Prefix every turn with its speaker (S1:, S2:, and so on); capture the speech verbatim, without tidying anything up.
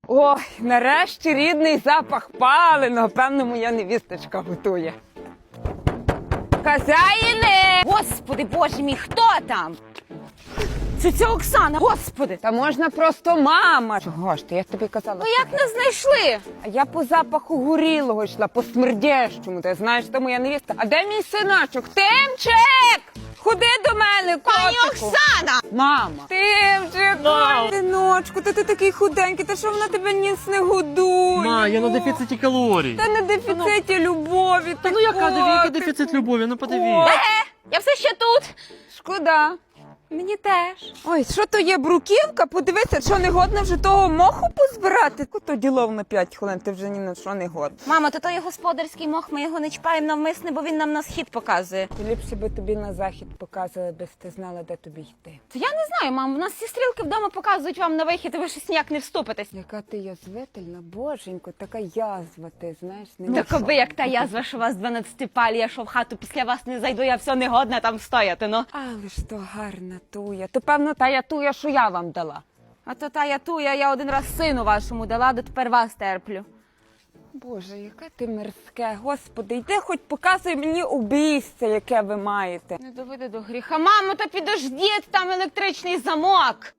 S1: Ой, нарешті рідний запах паленого. Певно, моя невісточка готує. Хазяїни!
S2: Господи, боже мій, хто там? Це ця Оксана, господи!
S1: Та можна просто мама. Чого ж ти, я тобі казала.
S2: Ну як не знайшли?
S1: А я по запаху горілого йшла, по смердящому. Ти знаєш, це моя невістка. А де мій синочок? Тимчик! Ходи до мене, котику.
S2: Пані Оксана!
S1: Мама. Тимчик, ой, синочку, та ти такий худенький, та що вона тебе ніс не годує?
S3: Ма, я на дефіциті калорій.
S1: Та на дефіциті любові.
S3: Та ну яка диві, який дефіцит любові, ну подиві.
S2: Е, я все ще тут.
S1: Шкода.
S2: Мені теж.
S1: Ой, що то є бруківка? Подивися, що не годно вже того моху позбирати. Кото ділов на п'ять хвилин, ти вже ні на що не годна.
S2: Мамо, то той господарський мох, ми його не чіпаємо навмисне, бо він нам на схід показує.
S1: Ліпше би тобі на захід показували, без ти знала, де тобі йти.
S2: То я не знаю, мамо, у нас всі стрілки вдома показують вам на вихід, і ви щось ніяк не вступитесь.
S1: Яка ти язвительна, боженько, така язва ти, знаєш, не
S2: Так аби як та язва, що у вас дванадцятипалі, я що в хату після вас не зайду, я все негодна там стояти, ну.
S1: Але ж то гарна туя. То, певно, та я туя, що я вам дала.
S2: А то та я туя, я один раз сину вашому дала, до тепер вас терплю.
S1: Боже, яке ти мерзке, господи, йди хоч показуй мені убійця, яке ви маєте.
S2: Не доведи до гріха. Мамо, та підождіть, там електричний замок.